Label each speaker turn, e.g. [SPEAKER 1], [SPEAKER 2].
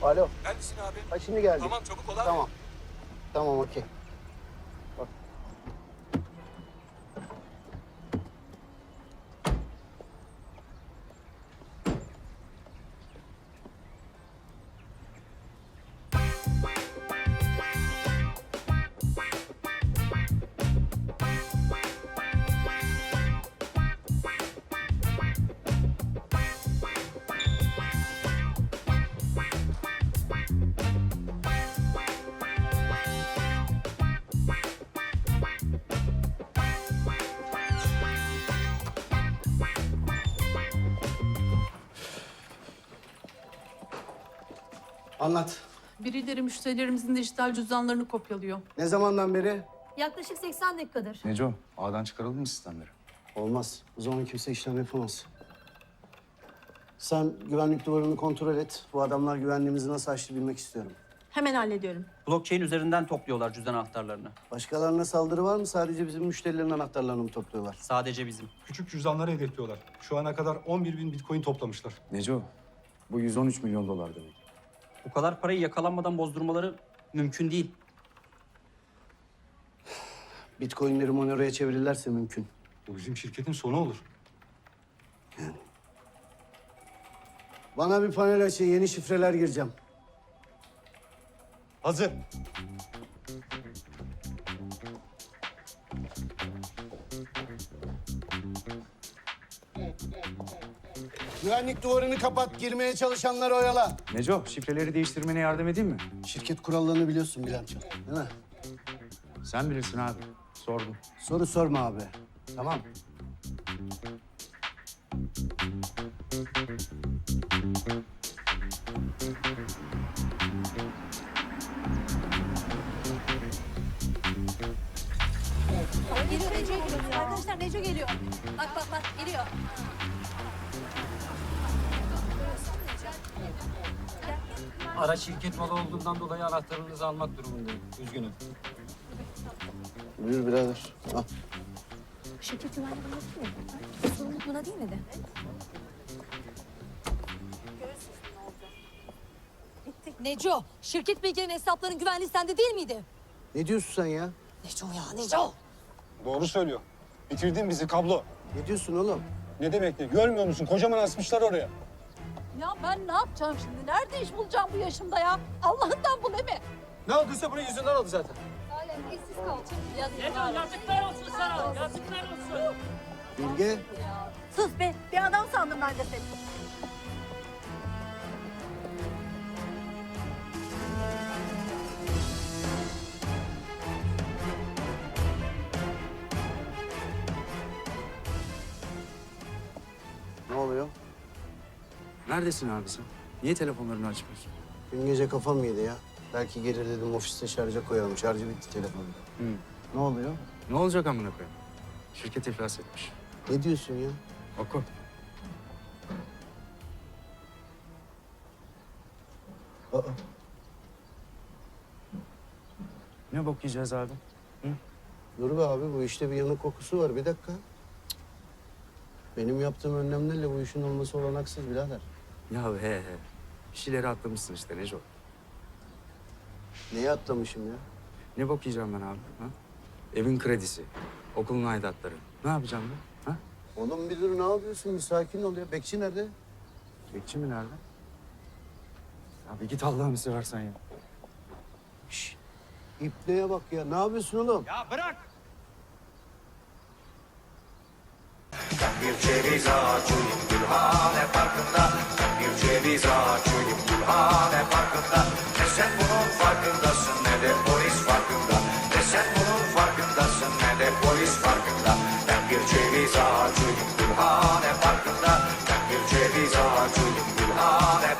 [SPEAKER 1] Alo.
[SPEAKER 2] Neredesin abi?
[SPEAKER 1] Ha şimdi geldik.
[SPEAKER 2] Tamam çabuk ol abi.
[SPEAKER 1] Tamam. Tamam okey. Bak. Anlat.
[SPEAKER 3] Birileri müşterilerimizin dijital cüzdanlarını kopyalıyor.
[SPEAKER 1] Ne zamandan beri?
[SPEAKER 4] Yaklaşık 80 dakikadır.
[SPEAKER 5] Neco, ağdan çıkaralım mı sistemleri?
[SPEAKER 1] Olmaz. O zaman kimse işlem yapamaz. Sen güvenlik duvarını kontrol et. Bu adamlar güvenliğimizi nasıl aştı bilmek istiyorum.
[SPEAKER 4] Hemen hallediyorum.
[SPEAKER 6] Blockchain üzerinden topluyorlar cüzdan anahtarlarını.
[SPEAKER 1] Başkalarına saldırı var mı? Sadece bizim müşterilerin anahtarlarını mı topluyorlar?
[SPEAKER 6] Sadece bizim.
[SPEAKER 2] Küçük cüzdanları hedefliyorlar. Şu ana kadar 11.000 bitcoin toplamışlar.
[SPEAKER 5] Neco, bu 113 milyon dolar demek.
[SPEAKER 6] Bu kadar parayı yakalanmadan bozdurmaları mümkün değil.
[SPEAKER 1] Bitcoin'leri Monero'ya çevirirlerse mümkün.
[SPEAKER 2] Bu bizim şirketin sonu olur.
[SPEAKER 1] Bana bir panel açın. Yeni şifreler gireceğim.
[SPEAKER 2] Hazır.
[SPEAKER 1] Güvenlik duvarını kapat. Girmeye çalışanları oyala.
[SPEAKER 5] Neco, şifreleri değiştirmene yardım edeyim mi?
[SPEAKER 1] Şirket kurallarını biliyorsun Bilal'cığım. Değil mi?
[SPEAKER 5] Sen bilirsin abi. Sordum.
[SPEAKER 1] Soru sorma abi. Tamam.
[SPEAKER 4] Geliyor, Neco geliyor. Arkadaşlar Neco geliyor. Bak bak bak geliyor.
[SPEAKER 7] Araç şirket malı olduğundan dolayı anahtarınızı almak durumundayım. Üzgünüm.
[SPEAKER 1] Buyur birader. Al.
[SPEAKER 4] Şirket güvenliği buna değil mi? Sorumluluk buna değil miydi? Neco, şirket bilgilerinin hesapların güvenliği sende değil miydi?
[SPEAKER 1] Ne diyorsun sen ya?
[SPEAKER 4] Neco ya, Neco.
[SPEAKER 2] Doğru söylüyor. Bitirdin bizi kablo.
[SPEAKER 1] Ne diyorsun oğlum?
[SPEAKER 2] Ne demek ne? Görmüyor musun? Kocaman asmışlar oraya.
[SPEAKER 8] Ya ben ne yapacağım şimdi? Nerede iş bulacağım bu yaşımda ya? Allah'ından bul mi?
[SPEAKER 7] Ne olduysa bunun yüzünden oldu zaten.
[SPEAKER 8] Yazıklar olsun sana. Yazıklar olsun.
[SPEAKER 1] Bilge.
[SPEAKER 4] Sus be, bir adam sandım ben de seni.
[SPEAKER 1] Ne oluyor?
[SPEAKER 5] Neredesin abi sen? Niye telefonlarını açmıyorsun?
[SPEAKER 1] Dün gece kafam yedi ya. Belki gelir dedim ofiste şarja koyalım. Şarjı bitti telefonun. Ne oluyor?
[SPEAKER 5] Ne olacak amına koyayım? Şirket iflas etmiş.
[SPEAKER 1] Ne diyorsun ya?
[SPEAKER 5] Oku.
[SPEAKER 1] Aa,
[SPEAKER 5] Ne bok yiyeceğiz abi?
[SPEAKER 1] dur be abi bu işte bir yanık kokusu var. Bir dakika. Benim yaptığım önlemlerle bu işin olması olanaksız birader.
[SPEAKER 5] Ya he. Bir şeyleri atlamışsın işte Neco.
[SPEAKER 1] Neyi atlamışım ya?
[SPEAKER 5] Ne bok yiyeceğim ben abi? Ha? Evin kredisi, okulun aidatları. Ne yapacağım ben? Ha?
[SPEAKER 1] Oğlum bir dur ne yapıyorsun? Bir sakin ol ya. Bekçi nerede?
[SPEAKER 5] Bekçi mi nerede? Abi git Allah'ını seversen ya.
[SPEAKER 1] Şşş. İpneye bak ya. Ne yapıyorsun oğlum?
[SPEAKER 7] Ya bırak!
[SPEAKER 9] Bir ceviz ağacıyım